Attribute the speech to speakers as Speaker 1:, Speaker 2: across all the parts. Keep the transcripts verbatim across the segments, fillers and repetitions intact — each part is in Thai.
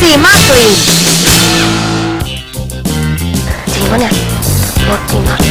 Speaker 1: ดีมากกรีนจริงปะเนี่ยรถจริงปะ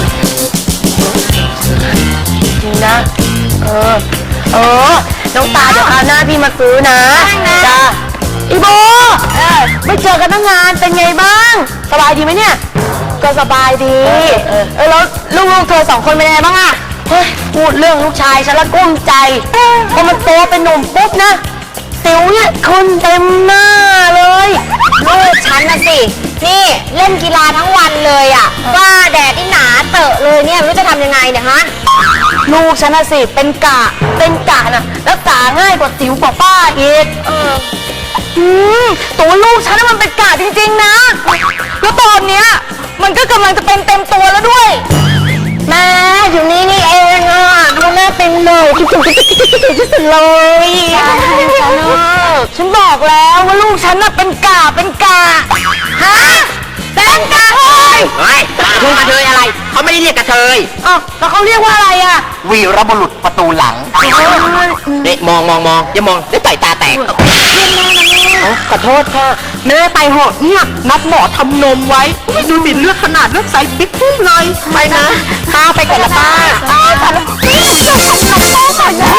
Speaker 1: จริงนะเออเออน้องตาเดี๋ยวคราวหน้าพี่มาซื้อนะจ้าอีโบไม่เจอกันตั้งนานเป็นไงบ้างสบายดีไหมเนี่ยก็สบายดีเออแล้วลูกๆเธอสองคนเป็นไงบ้างอะเฮ้ยพูดเรื่องลูกชายฉันละกุ้มใจพอมันโตเป็นหนุ่มปุ๊บนะสิวเนี่ยขึ้นเต็มหน้าเลยลูกฉันนะสินี่เล่นกีฬาทั้งวันเลยอ่ะว่าแดดที่หนาเตอะเลยเนี่ยไม่รู้จะทำยังไงเนี่ยฮะลูกฉันนะสิเป็นกะเป็นกะนะรักษาง่ายกว่าสิวกว่าป้าอีกเอออืมตัวลูกฉันน่ะมันเป็นกะจริงๆนะแล้วตอนเนี้ยมันก็กำลังจะเป็นเต็มตัวแล้วด้วยแม่อยู่นี่นี่เองอ่ะดูแม่เป็นเลยคิดถึงคิดถึงคิดถึงที่สุดเลยฉันบอกแล้วว่าลูกฉันน่ะเป็นกาเป็นกาฮะเป็นกาเฮ้ย
Speaker 2: เฮ้ยกระเทยอะไรเขาไม่ได้เรียกกระเทย
Speaker 1: อ้าวแล้วเขาเรียกว่าอะไรอ่ะ
Speaker 2: วีรบุรุษประตูหลังเนี่ยมองมองมองอย่ามองเดี๋ยวต่อยตาแตก
Speaker 1: ขอโทษค่ะแม่ไปเหอะเนี่ยนัดหมอทำนมไว้ดูสิเลือดขนาดเลือดใสปิ๊บปุ๊บเลยไปนะป้าไปก่อนละป้าป้าค่ะแล้วนี่จะทำนมป้าก่อนนะ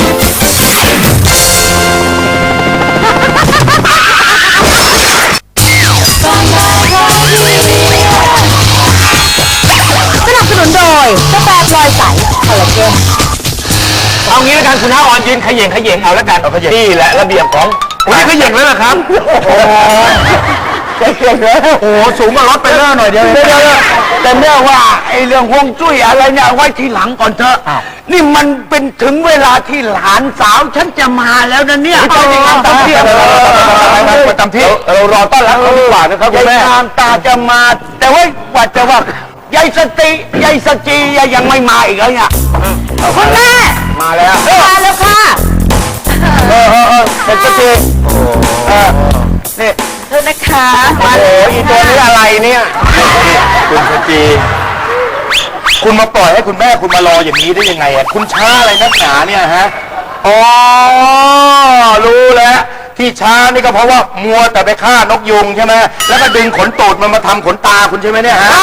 Speaker 1: สนับสนุนโดยกาแฟพลอยใสคอลลาเจน
Speaker 3: เอางี้แล้วกันคุณน้าอ่อนยืนขย่งขย่งเอาแล้วกันนี่แหละระเบียบของคุณขย่งแล้วนะครับโอ้โหขย่งแล้วโอ้โหสูงกว่ารถไปเรื่อยหน่อยเดียวแต่เนื่องว่าไอ้เรื่องฮวงจุ้ยอะไรเนี่ยไว้ทีหลังก่อนเถอะนี่มันเป็นถึงเวลาที่หลานสาวฉันจะมาแล้วนะเนี่ย
Speaker 2: ตามที่ตามที่
Speaker 3: เรารอต้อนรับเขาดีกว่านะครับคุณแม่
Speaker 2: ตามตาจะมาแต่ว่ากว่าจะว่ายายสติยายสจียังไม่มาอีกแล้วเนี่ย
Speaker 1: คุณแม่
Speaker 3: มาแล้ว
Speaker 1: มาแล้วค่ะ
Speaker 3: เออเออเออเป็นสติเออนี่
Speaker 1: เธอนะคะ
Speaker 3: โอ้โหอีตัวนี้อะไรเนี่ยคุณสจีคุณมาปล่อยให้คุณแม่คุณมารออย่างนี้ได้ยังไงอ่ะคุณช้าอะไรนักหนาเนี่ยฮะอ๋อรู้แล้วที่ช้านี่ก็เพราะว่ามัวแต่ไปฆ่านกยุงใช่ไหมแล้วก็ดึงขนตูดมันมาทำขนตาคุณใช่ไหมเนี่ยฮะ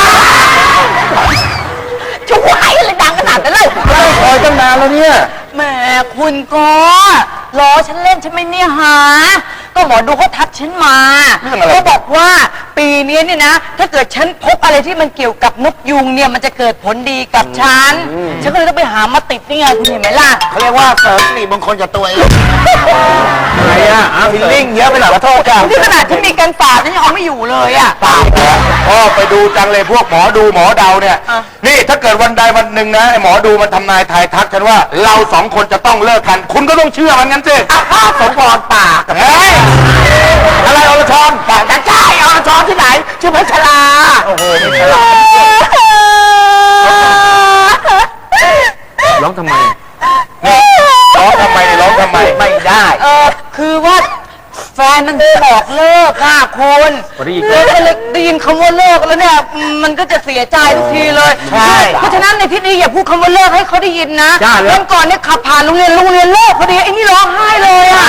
Speaker 1: จะไหวอะไรดังขนาดนั้นเลย
Speaker 3: คอยตั้งนานแล้วเนี่ย
Speaker 1: แม่คุณก็ล้อฉันเล่นใช่ไหมเนี่ยฮะก็หมอดูเขาทักฉันมาเขาบอกว่าปีนี้เนี่ยนะถ้าเกิดฉันพบอะไรที่มันเกี่ยวกับนกยุงเนี่ยมันจะเกิดผลดีกับฉันฉันก็เลยต้องไปหามาติดนี่ไงคุณเห็นไหมล่ะ
Speaker 2: เขาเรียกว่าเสริมสิริมงคลกับตัวเอง
Speaker 3: อะไรอ่ะฟิลลิ่งเยอะไปหน่อยขอโทษกัน
Speaker 1: ที่ขนาดฉันมีกันฝาดฉันยังเอาไม่อยู่เลยอ่ะ
Speaker 3: ฝาดพ่อไปดูจังเลยพวกหมอดูหมอเดาเนี่ยนี่ถ้าเกิดวันใดวันหนึ่งนะไอ้หมอดูมันทำนายทายทักฉันว่าเราสองคนจะต้องเลิกกันคุณก็ต้องเชื่อมันงั้นสิ
Speaker 2: สมพรปาก
Speaker 3: เฮ้ยอะไรอรชร
Speaker 2: ปากจะใช่อรชรที่ไหนชื่อพัชรา
Speaker 3: โอ้โหพัชราร้องทำไมร้องทำไมร้องทำไม
Speaker 2: ไม่ได้
Speaker 1: เออคือว่าแฟนมันบอกเลิกค่ะคุณแล้วก็เลยได้ยินคำว่าเลิกแล้วเนี่ยมันก็จะเสียใจทุกทีเลยเพราะฉะนั้นในที่นี้อย่าพูดคำว่าเลิกให้เขาได้ยินนะวันก่อนเนี่ยขับผ่านโรงเรียนโรงเรียนเลิกพอดีไอ้นี่ร้องไห้เลยอ่ะ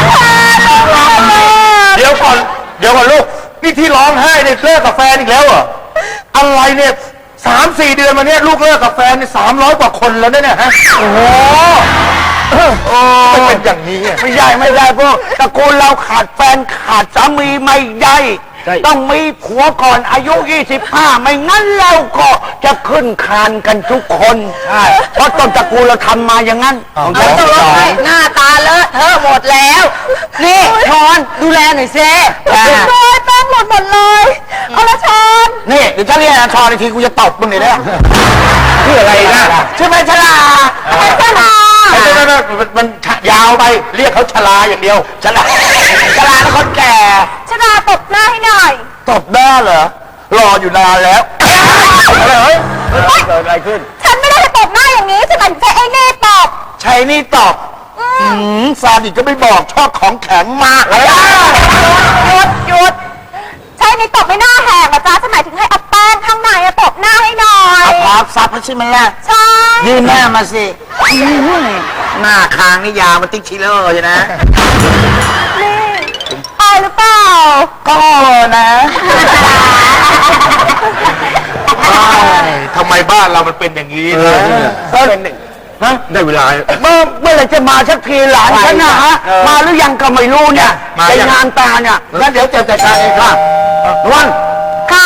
Speaker 3: เดี๋ยวก่อนเดี๋ยวก่อนลูกนี่ที่ร้องไห้เนี่ยเลิกกับแฟนอีกแล้วเหรออะไรเนี่ยสามสี่เดือนมาเนี่ยลูกเลิกกับแฟนเนี่ยสามร้อยกว่าคนแล้วเนี่ยฮะโอ้โหโอ้เป็นอย่างนี้
Speaker 2: ไม่ได้ไม่ได้พวกตระกูลเราขาดแฟนขาดสามีไม่ได้ต้องมีผัวก่อนอายุยี่สิบห้าไม่งั้นเราก็จะขึ้นคานกันทุกคนใช่เพราะต้นตระกูลเราทำมาอย่างนั้น
Speaker 1: ของเราต้องร้องไห้หน้าตาเลอะเทอะหมดแล้วนี่ชอนดูแลหน่อยสิเลยแป้งหมดหมดเลยเอาละชอน
Speaker 2: นี่เดี๋ยวฉันเรียกชอนอีกทีกูจะตบมึงเลยนะ
Speaker 3: ชื่ออะไรนะ
Speaker 2: ชื่อแม่ชลา
Speaker 1: ชลา
Speaker 3: ไม่ไม่ไม่มันยาวไปเรียกเขาชลาอย่างเดียว
Speaker 2: ชลาชลาแล้วคนแก่
Speaker 1: ชลาตบหน้าให้หน่อย
Speaker 2: ตบหน้าเหรอรออยู่นานแล้ว
Speaker 3: อะไรเฮ้ยเกิดอะไรขึ้น
Speaker 1: ฉันไม่ได้ตบหน้าอย่างนี้ฉันใช้ไอ้นี่ตบ
Speaker 2: ใช้นี่ตบอืมซาดิสก็ไม่บอกชอบของแข็งมาก
Speaker 1: หยุดหยุดใช้นี่ตบไม่หน้าแหกนะจ๊ะฉันหมายถึงให้เอาแป้งข้างในตบหน้าให้หน่อย
Speaker 2: เอาพับซับใช่ไหมล่ะ
Speaker 1: ใช่
Speaker 2: ยืนหน้ามาสิหน้าคางนี่ยาวมันติ๊กชิลเลอร์ใช่ไหม
Speaker 1: นี่อายหรือเปล่า
Speaker 2: ก็นะ
Speaker 3: ทำไมบ้านเรามันเป็นอย่างนี้นะ
Speaker 2: ก็เป็นฮะ
Speaker 3: ได้เวลา
Speaker 2: เมื่อเมื่อไหรจะมาสักทีหลานฉันนะฮะ
Speaker 3: เออ
Speaker 2: มาหรือยังก็ไม่รู้เนี่ย
Speaker 3: มา
Speaker 2: ใน
Speaker 3: ยัง
Speaker 2: งานตาเนี่ยแล้วเดี๋ยวจะจัดการเองค่ะนวล
Speaker 1: ค่ะ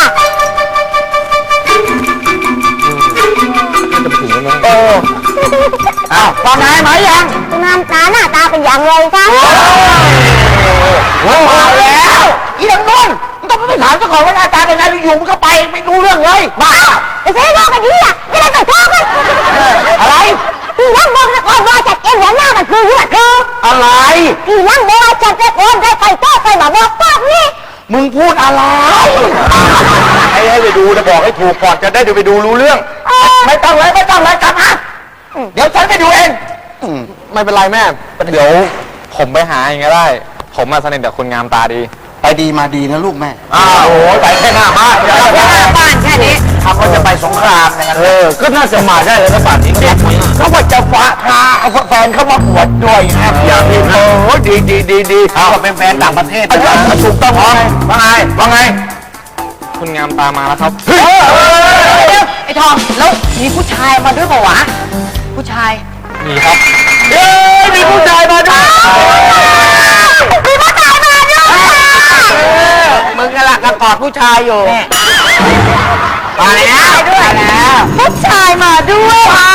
Speaker 2: เอออ้าวฟังไงไหมยัง
Speaker 1: งามตาหน้าตาเป็นอย่างไรคะ
Speaker 2: โอ้มาแล้วอีนังนวลมึงต้องไปถามเจ้าของว่าหน้าตาเป็นไงอยู่มึงก็ไปไม่รู้เรื่องเลยบ้า
Speaker 1: ไอ้เซ่โลกกันดีอ่ะไม่ได้ใส่ท่อกัน
Speaker 2: อะไร
Speaker 1: พี่นั่งบอกนะก่อนว่าจัดเองหัวหน้ามันคือหัวคือ
Speaker 2: อะไร
Speaker 1: พี่นั่งบอกว่าจัดเองได้ใส่ท่อใส่หมาบอกปากนี่
Speaker 2: มึงพูดอะไร
Speaker 3: ให้ให้ไปดูนะบอกให้ถูกก่อนจะได้เดี๋ยวไปดูรู้เรื่อง
Speaker 2: ไม่ต้องเลยไม่ต้องเลยกลับมาเดี๋ยวฉันไปดูเอง
Speaker 4: ไม่เป็นไรแม่ เดี๋ยวผมไปหาเองก็ได้ ผมมาสนิทกับคุณงามตาดี
Speaker 5: ไปดีมาดีนะลูกแม่
Speaker 3: อ้าวโอ้ยไปแค่หน้าบ้าน
Speaker 2: แค่หน้าบ้านแค่นี้ทำว่าจะไปสงครามอย่างนั้น
Speaker 3: เออ ก็น่าจะมาได้แล้วนะป่านนี้เนี่ย
Speaker 2: เขาว่าจะฟ้าพาเอาแฟนเขามาอวดด้วยนะอย่างนี้โอ้ดีดีดีดีเขาเป็นแฟนต่างประเทศนะถูกต้องไหม
Speaker 3: ว่าไงว่าไง
Speaker 4: คุณงามตามาแล้วครับ
Speaker 1: ไอ้ทองแล้วมีผู้ชายมาด้วยเปล่าวะผู้ชาย
Speaker 4: มีครับ
Speaker 2: เอ้ยมีผู้ชายมาด้วย
Speaker 1: มีผู้ชายมาด้วย
Speaker 2: มึงกำลังกอดผู้ชายอยู่มาแล้วด้วยแล้ว
Speaker 1: ผู้ชายมาด้วย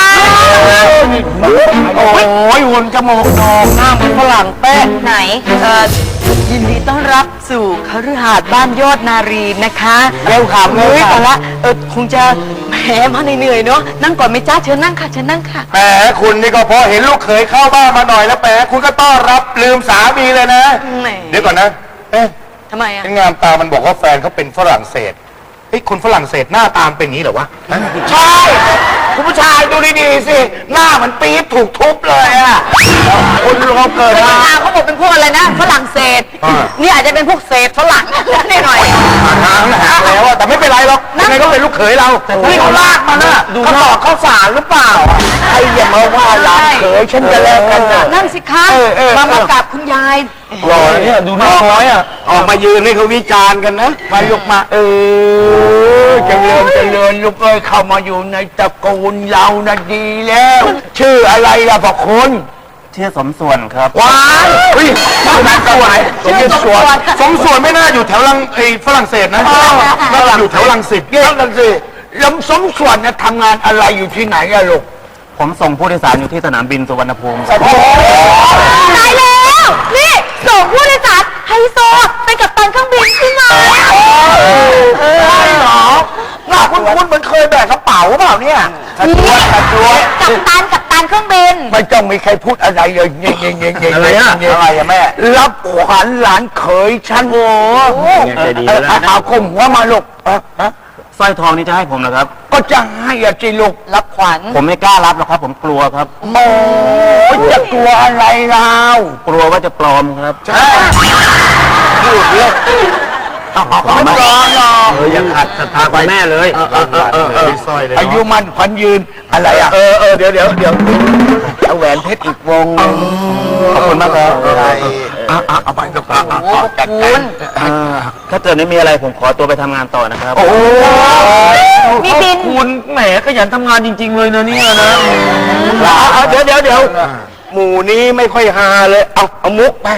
Speaker 2: โอ้ยหุ่นจมูกโด่งหน้าเหมือนฝรั่งเป๊ะ
Speaker 1: ไหนเอ่อยินดีต้อนรับสู่คฤหาสน์บ้านยอดนารีนะคะ
Speaker 2: เร็วขับเร็ว
Speaker 1: เฮ้ย
Speaker 2: ขั
Speaker 1: แต่
Speaker 2: บ
Speaker 1: ละเออคงจะแหมมาเหนื่อยๆเนาะนั่งก่อนไหมจ้าเชิญนั่งค่ะเชิญนั่งค่ะ
Speaker 3: แหมคุณนี่ก็พอเห็นลูกเขยเข้าบ้านมาหน่อยแล้วแหมคุณก็ต้อนรับลืมสามีเลยนะ
Speaker 1: แหม
Speaker 3: เดี๋ยวก่อนนะ เอ๊ะ
Speaker 1: ทำไมอ่ะ
Speaker 3: งามตามันบอกว่าแฟนเขาเป็นฝรั่งเศสเฮ้ยคนฝรั่งเศสหน้าตามนเป็นอย่างนี้เหรอวะ
Speaker 2: ใช่คุณผู้ชายดูดีๆสิ หน้าเหมันปี๊บถูกทุบเลยอ่ะคุณรวมเกิด
Speaker 1: เว
Speaker 2: มา
Speaker 1: ลาเขาบอกเป็นพวกอะไรนะฝรั่งเศส
Speaker 3: อ่า
Speaker 1: นี่อาจจะเป็นพวกเศษฝรั่งนิดหน่อย
Speaker 3: ผ่านทางแล้วหักแล้วอะแต่ไม่เป็นไรหรอกยังไงก็เป็นลูกเขยเรา
Speaker 2: นี่เขาลากมาน่ะเขาตอกข้าวสารหรือเปล่าใครอย่ามาว่าหลานเขยฉันจะแลกกันนะ
Speaker 1: นั่นสิคะ
Speaker 2: เออเออ
Speaker 1: มามากับคุณยาย
Speaker 3: รอเนี่ยดูน้อยอ่ะ
Speaker 2: ออกมายืนให้เขาวิจารณ์กันนะ มาลุกมา เออเจริญเจริญลูกเอ้ยเข้ามาอยู่ในตระกูลเรานะดีแล้ว ชื่ออะไรล่ะพ่อคุณ
Speaker 5: ชื่อสมส่วนครับ
Speaker 2: ว้าย
Speaker 3: เฮ้ยสมส่วน
Speaker 1: ชื่อสมส่วน
Speaker 3: สมส่วนไม่น่าอยู่แถวลังไอ้ฝรั่งเศสนะน่าจะอยู่แถวลังสิต
Speaker 2: เยี่ยมกันสิแล้วสมส่วนเนี่ยทำงานอะไรอยู่ที่ไหนอะลูก
Speaker 5: ผมส่งผู้โดยสารอยู่ที่สนามบินสุวรรณภูมิ
Speaker 2: โอ้โห
Speaker 1: ตายแล้ว นี่ส่งผู้โดยสารไฮโซไปกับตันเครื่องบินขึ้นมา
Speaker 2: ใช่เหรอหน้าคุณคุณเหมือนเคยแบกกระเป๋าเปล่าเนี่ยกระจวดกระจวด
Speaker 1: กับตันกับตันเครื่องบิน
Speaker 2: ไม่ต้องมีใครพูดอะไรเลยเงี้ยเงี้ยเงี้ยเงี้ย
Speaker 3: อะไรอะ
Speaker 2: อะไรอะแม่ รับขวัญหลานเขยฉันโอ้
Speaker 5: ใจดีแล้วนะ
Speaker 2: เอาคมหัวมาลูกเออฮะ
Speaker 5: สร้อยทองนี่จะให้ผมนะครับ
Speaker 2: ก็จะให้อะจิลูก
Speaker 1: รับขวัญ
Speaker 5: ผมไม่กล้ารับหรอกครับ ผมกลัวครับ
Speaker 2: โอ้ยจะกลัวอะไรเรา
Speaker 5: กลัวว่าจะปลอมครับ
Speaker 2: พูดเรื่องเอาเอาเอาไม่รอหรอก
Speaker 3: เออยังขัดศรัทธาไปแม่เลยเออเออเออเออสร้อยเลย
Speaker 2: อายุมันขวัญยืนอะไรอะ
Speaker 3: เออเออเดี๋ยวเดี๋ยวเดี๋ยว
Speaker 2: เอาแหวนเพชรอีกวงหนึ่ง
Speaker 5: ขอบคุณมากครับ
Speaker 2: เอาเอาเอาไปลูกเอาเอาเอาจัดการ
Speaker 5: เอ่อถ้าเกิดไม่มีอะไรผมขอตัวไปทำงานต่อนะครับ
Speaker 2: โอ้ย
Speaker 1: มีบิน
Speaker 3: คุณแหมขยันทำงานจริง ๆ เลยนะเนี่ยนะ
Speaker 2: เอาเอาเดี๋ยวเดี๋ยวเดี๋ยวหมู่นี้ไม่ค่อยฮาเลย เอาเอามุกไป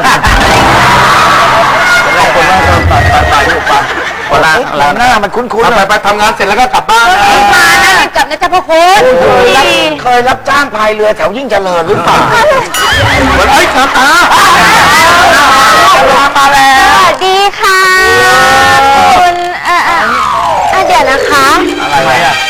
Speaker 5: เวลา
Speaker 2: หลังหน้ามันคุ้นๆ
Speaker 3: ไป
Speaker 2: นะ
Speaker 3: ไปทำงานเสร็จแล้วก็กลับบ้านนะ
Speaker 1: มานะรีบกลับนะจ๊ะพ่อคุณ
Speaker 2: เคยรับจ้างพายเรือแถวยิ่งเจริญหรือเปล่า
Speaker 3: เหมือนไอ้ยครับตา
Speaker 2: มาแล้ว
Speaker 1: สวัสดีค่ะคุณเอ่อเอ่อเอ่อเดี๋ยวนะคะ
Speaker 3: อะไรอ่ะ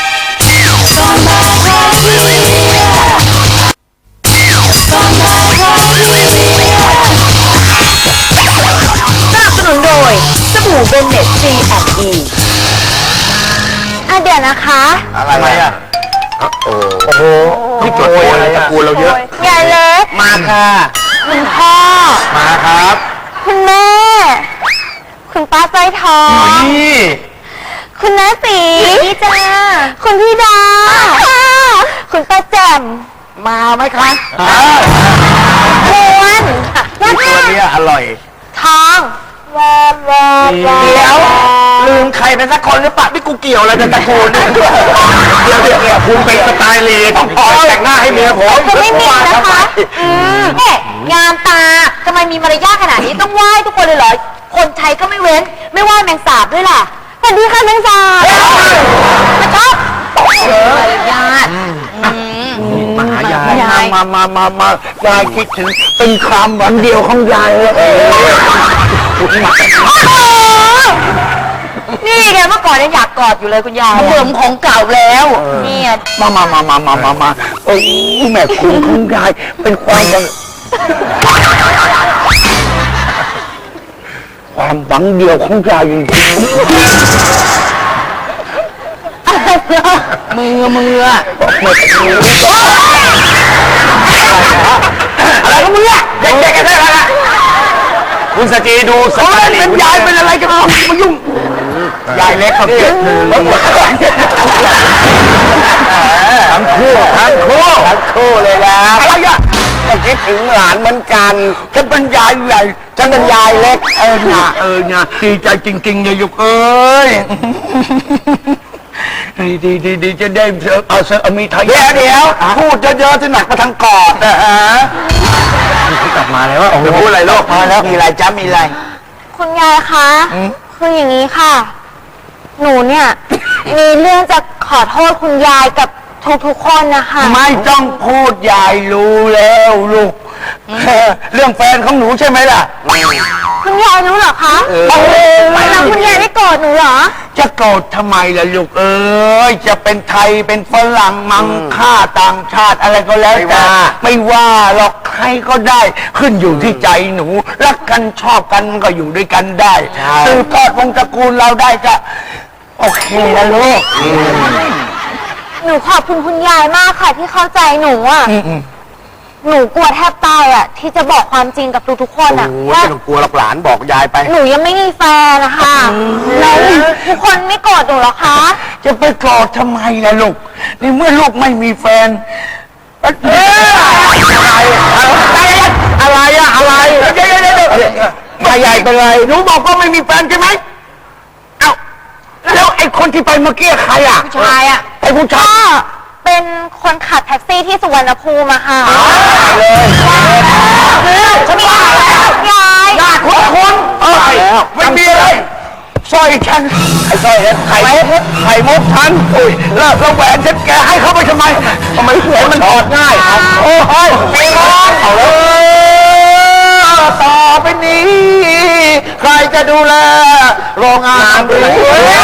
Speaker 1: สนับสนุนโดยสบู่เบนเน็ต ซี แอนด์ อี อ่ะเดี๋ยวนะคะ
Speaker 3: อะไรอ่ะโอ้โหนี่จดโวยตระกูลเราเยอะ
Speaker 1: ยายเล็ก
Speaker 2: มาค่ะ
Speaker 1: คุณพ่อ
Speaker 3: มาครับ
Speaker 1: คุณแม่ คุณป้าสร้อยทอง
Speaker 3: นี่
Speaker 1: คุณน้าสีพี่จ้าคุณพี่ดาคุณป้าแจ่ม
Speaker 2: มาไหมคะ
Speaker 1: ควร
Speaker 2: ตัวนี้อร่อย
Speaker 1: ทอง
Speaker 2: เดี๋ยวลืมใครไปสักคนหรือเปล่านี่กูเกี่ยวอะไรกับตระกูลเนี่ย
Speaker 3: เดี๋ยวเดี๋ยวเดี๋ยวคุณเป็นสไตล์ลีต้องขอแต่งหน้าให้เมียผม
Speaker 6: จะไม่มีนะคะอืมเนี่ยงามตาทำไมมีมารยาทขนาดนี้ต้องไหว้ทุกคนเลยเหรอ คนใช้ก็ไม่เว้น ไม่ไหว้แมงสาบด้วยล่ะสวัสดีค่ะแมงสาบมาชอบมารยาท
Speaker 2: มาหายายมามามามายายคิดถึงเป็นคำวันเดียวของยายเลย
Speaker 6: นี่ไงเมื่อก่อนเนี่ยอยากกอดอยู่เลยคุณยายเบื่อของเก่าแล้วเนี่ย
Speaker 2: มามามามามามามาโอ้ยแม่คุณของยายเป็นความบังความหวังเดียวของยายจริง
Speaker 6: มือมือ
Speaker 2: อะไรของมึงเนี่ยเด็กๆกันได้ละ
Speaker 3: คุณสกีดูส
Speaker 2: เขา
Speaker 3: ไต
Speaker 2: เล่น
Speaker 3: ล์ลี
Speaker 2: เป็นยายเป็นอะไรกันมายุ่งยายเล็กครับทั้งคู่ทั้งคู่ทั้งคู่เลยนะอะไรอ่ะก็คิดถึงหลานเหมือนกันฉันเป็นยายใหญ่ฉันเป็นยายเล็กเออเนี่ยเออเนี่ยดีใจจริงๆเนี่ยยุกเอ้ยดีดีดีดีจะได้เอาเสื้อมีไทยเดี๋ยวเดี๋ยวพูดเยอะๆที่หนักมาทางกอดนะฮะกลับมาแล้วว่าโอ้โหพูดอะไรโลกมาแล้วมีอะไรจ้ามีอะไร
Speaker 6: คุณยายคะคืออย่างนี้ค่ะ หนูเนี่ย มีเรื่องจะขอโทษคุณยายกับทุกๆคนนะคะ
Speaker 2: ไม่ต้องพูดยายรู้แล้วลูกเรื่องแฟนของหนูใช่ไหมล่ะ
Speaker 6: คุณยายรู้เหรอคะ
Speaker 2: เออ
Speaker 6: แล้วคุณยายไม่โกรธหนูเหรอ
Speaker 2: จะโกรธทำไมล่ะลูกเอ้ยจะเป็นไทยเป็นฝรั่งมังค่าต่างชาติอะไรก็แล้วแต่ไม่ว่าหรอกใครก็ได้ขึ้นอยู่ที่ใจหนูรักกันชอบกันมันก็อยู่ด้วยกันได้สืบทอดวงศ์ตระกูลเราได้ก็โอเคนะลูก
Speaker 6: หนูขอบคุณคุณยายมากค่ะที่เข้าใจหนูอ่ะ หนูกลัวแทบตายอ่ะ ที่จะบอกความจริงกับทุกๆคนอ่ะ
Speaker 2: โอ้ย
Speaker 6: ว่า
Speaker 2: ไม่ต้องกลัวหรอกหลานบอกยายไป
Speaker 6: หนูยังไม่มีแฟนนะคะแล้วทุกคนไม่โกรธหนูเหรอคะ
Speaker 2: จะไปโกรธทำไมล่ะลูกในเมื่อลูกไม่มีแฟนเอ้ยอะไรอะไรอะอะไรเดี๋ยวเดี๋ยวเดี๋ยวไม่ใหญ่เป็นไรหนูบอกว่าไม่มีแฟนใช่ไหมเอ้าแล้วไอ้คนที่ไปเมื่อกี้ใครอ่ะ
Speaker 6: ผู้ชายอ่ะ
Speaker 2: ไอ้ผู้ชา
Speaker 6: ก็
Speaker 2: ย
Speaker 6: เป็นคนขับแท็กซี่ที่สุวรรณภูมิอะค่ะ
Speaker 2: เลยฉันว่าแล้ว
Speaker 6: ยาย
Speaker 2: ญาติของคุณเอ้ยไม่มีอะไรสร้อยฉันไอ้สร้อยไข่มุกไข่มุกฉันอุ้ยแล้วแล้วแหวนฉันแกให้เขาไปทำไมทำไมแหวนมันถอดง่ายโอ้ยปีนอนเอาเลยต่อไปนี้ ใครจะดูแลโรงงานหรือ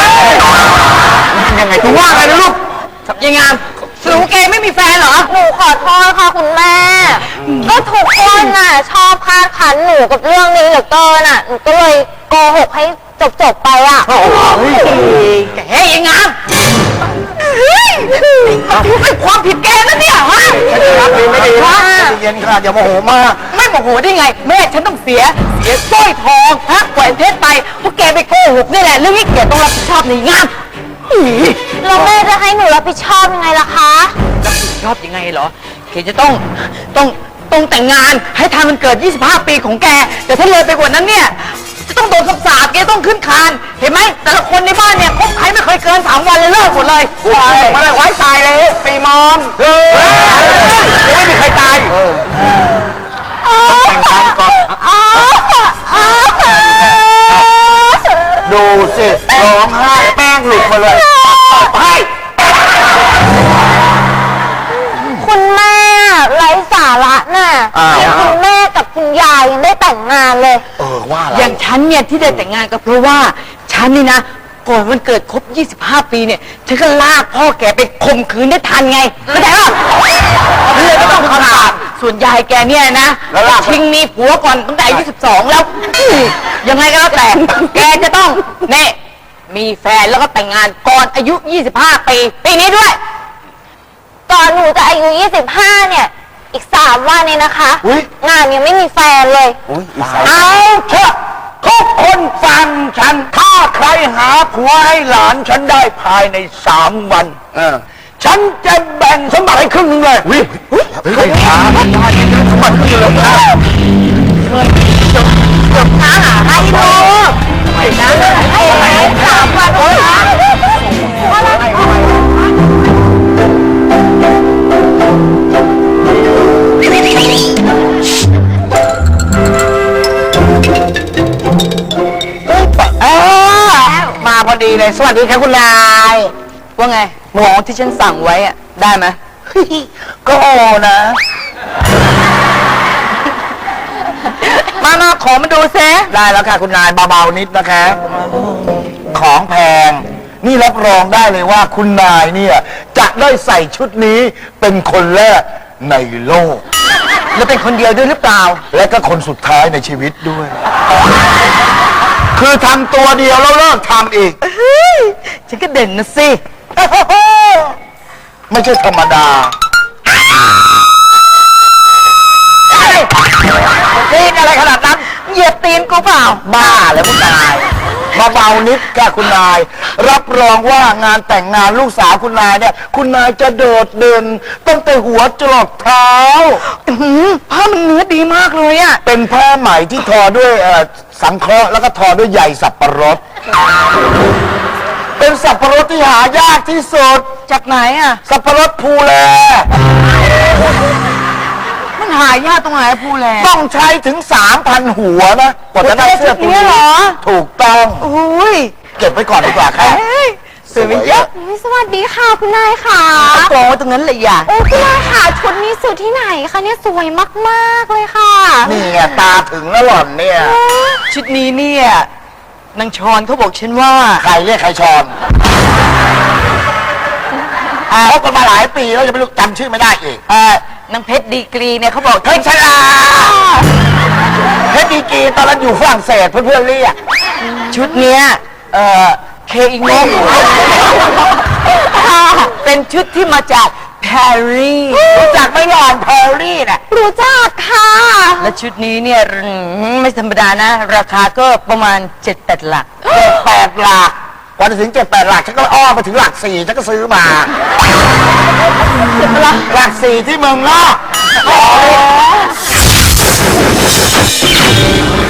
Speaker 2: ยังไงคุณว่าไงนะลูกยังไงสรุปแกไม่มีแฟนเหรอ
Speaker 6: หนูขอโทษค่ะคุณแม่ ก็ทุกคนน่ะ ชอบคาดคันหนูกับเรื่องนี้เหลือเกินอ่ะ หนูก็เลยโกหกให้จบๆไปอ่ะ
Speaker 2: แกยังไงเป็นความผิดแกนะเนี่ยฮะรับดีไม่ดีฮะเย็นค่ะอย่าโมโหมากไม่โมโหได้ไง แม่ฉันต้องเสียเสียสร้อยทองฮะแหวนเพชรไปเพราะแกไปโกหกนี่แหละเรื่องนี้แกต้องรับผิดชอบในงาน
Speaker 6: แล้วแม่จะให้หนูรับผิดชอบยังไงล่ะคะ
Speaker 7: รับผิดชอบยังไงเหรอแกจะต้องต้องต้องแต่งงานให้ทันมันเกิด ยี่สิบห้า ปีของแก แต่ถ้าเลยไปกว่านั้นเนี่ย จะต้องโดนคำสาปแกต้องขึ้นคาน เห็นไหมแต่ละคนในบ้านเนี่ยคบใครไม่เคยเกินสามวันเลยเลิกหมดเลยมาเลยไว้ตายเลยปีมอมเฮ้ยไม่มีใครตายแต่งงานก่อนดูสิร้องไห้แป้งหลุดมาเลยให้
Speaker 6: คุณแม่ไร้สาระน่ะ
Speaker 2: อ้าว
Speaker 6: ที่คุณแม่กับคุณยายยังได้แต่งงานเลย
Speaker 2: เออว่าอะไร
Speaker 7: อย่างฉันเนี่ยที่ได้แต่งงานก็เพราะว่าฉันนี่นะก่อนวันเกิดครบ ยี่สิบห้า ปีเนี่ยฉันก็ลากพ่อแกไปข่มขืนได้ทันไงเข้าใจป่ะเลยก็ต้องคำสาปส่วนยายแกเนี่ยนะชิงมีผัวก่อนตั้งแต่อายุสิบสองแล้วยังไงก็แล้วแต่แกจะต้องเน่มีแฟนแล้วก็แต่งงานก่อนอายุ ยี่สิบห้า ปีปีนี้ด้วย
Speaker 6: ก่อนหนูจะอายุยี่สิบห้าเนี่ย อีกสามวันเนี่ยนะคะ งานยังไม่มีแฟนเลย
Speaker 2: เอาเถอะทุกคนฟังฉัน ถ้าใครหาผัวให้หลานฉันได้ภายในสามวันฉันจะแบ่งสมบัติให้ครึ่งหนึงเลยใครหาไม่ได้สมบัติครึ่งหนึงเลย
Speaker 6: หาหาให้ดู
Speaker 2: ดีเลย สวัสดีครับคุณนาย
Speaker 7: ว่าไงของที่ฉันสั่งไว้อะได้ไหม
Speaker 2: ก็โอนะ
Speaker 7: มามาขอมาดูซิ
Speaker 2: ได้แล้วค่ะคุณนายเบาๆนิดนะคะของแพง นี่รับรองได้เลยว่าคุณนายเนี่ย จะได้ใส่ชุดนี้เป็นคนแรกในโลก
Speaker 7: แล้วเป็นคนเดียวด้วยหรือเปล่า
Speaker 2: และก็คนสุดท้ายในชีวิตด้วย คือทำตัวเดียวแล้วเลิกทำอีก
Speaker 7: ฉันก็เด่นนะสิ
Speaker 2: ไม่ใช่ธรรมดา
Speaker 7: ตีนอะไรขนาดนั้น เหยียบตีนกูเปล่า
Speaker 2: บ้าแล้วคุณนายเบาๆนิดค่ะคุณนาย รับรองว่างานแต่งงานลูกสาวคุณนายเนี่ย คุณนายจะโดดเด่นตั้งแต่หัวจรดเท้า
Speaker 7: อื้อหือผ้ามันเนื้อดีมากเลยอะ
Speaker 2: เป็นผ้าไหมที่ทอด้วยเอ่อสังเคราะห์แล้วก็ทอด้วยใยสับปะรด เป็นสับปะรดที่หายากที่สุด
Speaker 7: จากไหนอะ
Speaker 2: สับปะรดภูแล
Speaker 7: มันหายากตรงไหนภูแล
Speaker 2: ต้องใช้ถึงสามพันหัวนะกว่าจะได้เสื้อตัว
Speaker 7: หัวเสื้อชุดนี้เหรอ
Speaker 2: ถูกต้อง
Speaker 7: โอ้ย
Speaker 2: เก็บไว้ก่อนดีกว่าครับ
Speaker 7: เฮ้ยสวยไหมเยอะ
Speaker 6: สวัสดีค่ะคุณนายค่ะ
Speaker 7: เอากองไว้ตรงนั้นเลยอย่า
Speaker 6: โอ้คุณนายค่ะชุดนี้ซื้อที่ไหนคะเนี่ยสวยมากๆเลยค่ะ
Speaker 2: นี่ไงตาถึงแล้วหล่อนเนี่ย
Speaker 7: ชุดนี้เนี่ยนางชอนเขาบอกฉันว่า
Speaker 2: ใครเรียกใครชอนคบกันมาหลายปีแล้วจะไม่รู้จำชื่อไม่ได้อีก
Speaker 7: เออนางเพชรดีกรีเนี่ยเขาบอก
Speaker 2: เพชรชลาเพชรดีกรีตอนนั้นอยู่ฝรั่งเศสเพื่อนๆเรียก
Speaker 7: ชุดเนี้ยเออเคอิงโงเป็นชุดที่มาจากปารีส
Speaker 2: รู้จักไหม่หล่อนเพอร์รี่น่ะ
Speaker 6: รู้จักค่ะ
Speaker 7: และชุดนี้เนี่ยอืมไม่ธรรมดานะ ราคาก็ประมาณเจ็ดแปดหลัก
Speaker 2: เจ็ดแปดหลักกว่าจะถึงเจ็ดแปดหลักฉันก็อ้อมไปถึงหลักสี่ฉันก็ซื้อมา หลักสี่ที่เมืองนอก